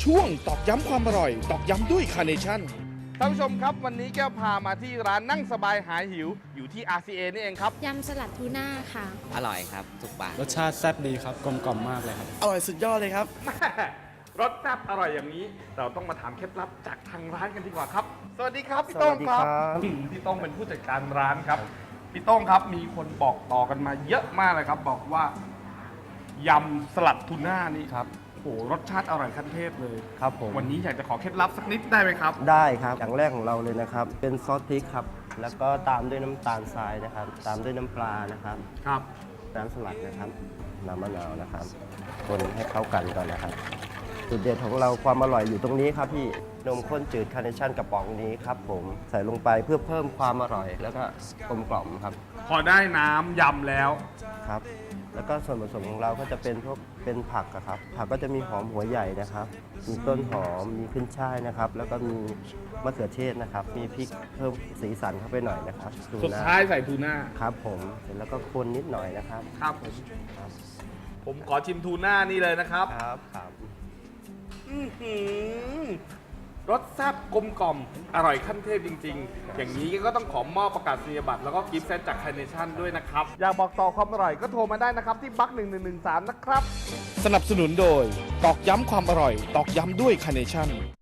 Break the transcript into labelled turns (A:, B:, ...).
A: ช่วงตอกย้ำความอร่อยตอกย้ำด้วยคาร์เนชั่น
B: ท่านผู้ชมครับวันนี้แก้วพามาที่ร้านนั่งสบายหายหิวอยู่ที่ RCA นี่เองครับ
C: ยำสลัดทูน่าค่ะ
D: อร่อยครับสุกปาก
E: รสชาติแซ่บดีครับกลมกล่อมมากเลยครับ
F: อร่อยสุดยอดเลยครับ
B: แม่รสแซ่บอร่อยอย่างนี้ เราต้องมาถามเคล็ดลับจากทางร้านกันดีกว่าครับ สวัสดีครับพี่โต้งครับ
F: สวัสดีครับ
B: พี่โต้งเป็นผู้จัดการร้านครับพี่โต้งครับมีคนบอกต่อกันมาเยอะมากเลยครับ บอกว่ายำสลัดทูน่านี่
F: ครับ
B: โอ้โหรสชาติอร่อยขั้นเทพเลย
F: ครับผม
B: วันนี้อยากจะขอเคล็ดลับสักนิดได้ไหมครับ
F: ได้ครับ อย่างแรกของเราเลยนะครับ เป็นซอสพริกครับ แล้วก็ตามด้วยน้ำตาลทรายนะครับ ตามด้วยน้ำปลานะครับ
B: ครับ
F: น้ำสลัดนะครับ น้ำมะนาวนะครับ คนให้เข้ากันก่อนนะครับ จุดเด่นของเราความอร่อยอยู่ตรงนี้ครับพี่ นมข้นจืดคาร์เนชั่นกระป๋องนี้ครับผม ใส่ลงไปเพื่อเพิ่มความอร่อย แล้วก็กลมกล่อมครับ
B: พอได้น้ำยำแล้ว
F: ครับ แล้วก็ส่วนผสมของเราก็จะเป็นพวกเป็นผักอะครับ ผักก็จะมีหอมหัวใหญ่นะครับ มีต้นหอม มีขึ้นช่ายนะครับ แล้วก็มีมะเขือเทศนะครับ มีพริกเพิ่มสีสันเข้าไปหน่อยนะครับ
B: สุดท้ายใส่ทูน่า
F: ครับผมเสร็จแล้วก็คนนิดหน่อยนะครับ
B: ครับผม
F: ครับ
B: ผมขอชิมทูน่านี่เลยนะครับ
F: ครับครับ
B: อื้อหือรสแซ่บกลมกล่อมอร่อยขั้นเทพจริง ๆ อย่างนี้ก็ต้องขอมอบประกาศนียบัตรแล้วก็กิฟต์เซตจากคาร์เนชั่นด้วยนะครับ อยากบอกต่อความอร่อยก็โทรมาได้นะครับที่บัก1113นะครับ
A: สนับสนุนโดยตอกย้ำความอร่อยตอกย้ำด้วยคาร์เนชั่น